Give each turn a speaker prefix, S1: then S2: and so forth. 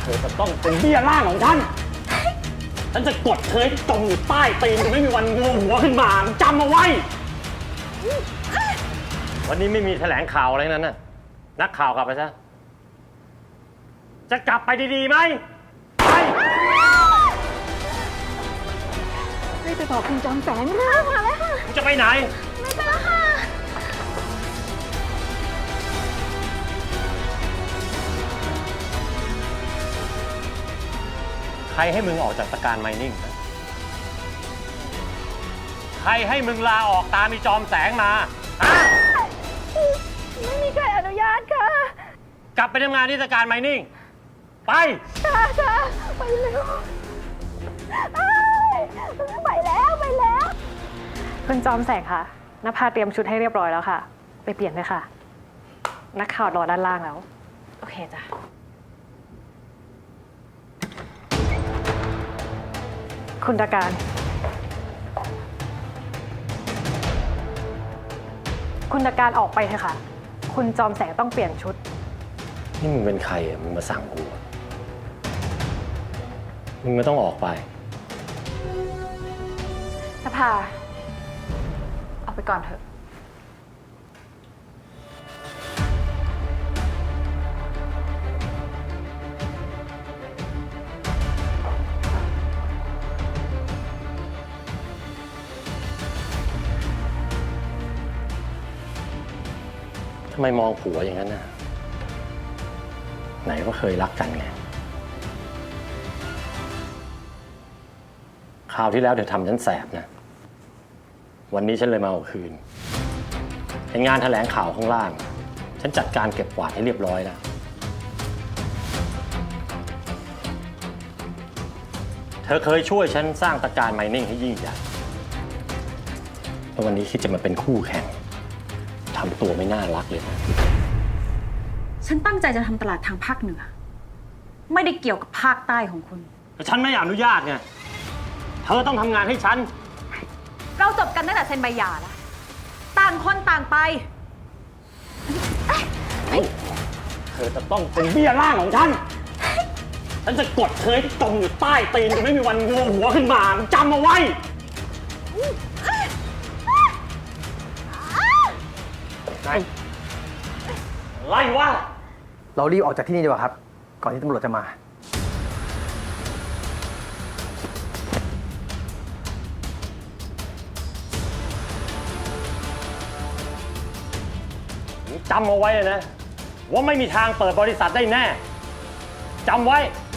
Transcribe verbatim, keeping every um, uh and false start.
S1: อจะต้องเป็นเบี้ยล่างของฉันฉันจะกดเธอให้จมอยู่ใต้ตีนจะไม่มีวันงงหัวขึ้นมาจำเอาไว้วันนี้ไม่มีแถลงข่าวอะไรนั้นน่ะนักข่าวกลับไปซะจะกลับไปดีๆไหมไป
S2: รีบไปบอกคุณจอมแสงค่ะมาแล้วค่ะ
S1: มึงจะไปไหน
S2: ไม่ไปแล้วค่ะ
S1: ใครให้มึงออกจากตะการไมนิ่งนะใครให้มึงลาออกตามมีจอมแสงมาฮะ
S2: ไม่มีใครอนุญาตค่ะ
S1: กลับไปทำงานที่ตะการไมนิ่งไป
S2: ค่ะค่ะไปเร็วไปแล้วไปแล้ว
S3: คุณจอมแสงค่ะนภาเตรียมชุดให้เรียบร้อยแล้วค่ะไปเปลี่ยนเลยค่ะนักข่าวรอด้านล่างแล้วโอเคจ้ะคุณตะการคุณตะการออกไปเถอะค่ะคุณจอมแสงต้องเปลี่ยนชุด
S1: นี่มึงเป็นใครอ่ะมึงมาสั่งกูมึงไม่ต้องออกไป
S3: นภาออกไปก่อนเถอะ
S1: ทำไมมองผัวอย่างนั้นน่ะไหนว่าเคยรักกันไงคราวที่แล้วเธอทำฉันแสบนะวันนี้ฉันเลยมาเอาคืนในงานแถลงข่าวข้างล่างฉันจัดการเก็บกวาดให้เรียบร้อยแล้วเธอเคยช่วยฉันสร้างตะการไมนิ่งให้ยิ่งใหญ่แล้ววันนี้คิดจะมาเป็นคู่แข่งทำตัวไม่น่ารักเลยนะ
S4: ฉันตั้งใจจะทำตลาดทางภาคเหนือไม่ได้เกี่ยวกับภาคใต้ของคุณ
S1: แต่ฉันไม่อนุญาตไงเธอต้องทำงานให้ฉัน
S4: เราจบกันตั้งแต่เซ็นใบหย่าแล้วต่างคนต่างไป
S1: เธอจะต้องเป็นเบี้ยล่างของฉันฉันจะกดเธอให้จมอยู่ใต้ตีนจะไม่มีวันงงหัวขึ้นมาจำเอาไว้ไล่ว่า
S5: เรารีบออกจากที่นี่ดีกว่าครับก่อนที่ตำรวจจะมา
S1: จำเอาไว้นะว่าไม่มีทางเปิดบริษัทได้แน่จำไว้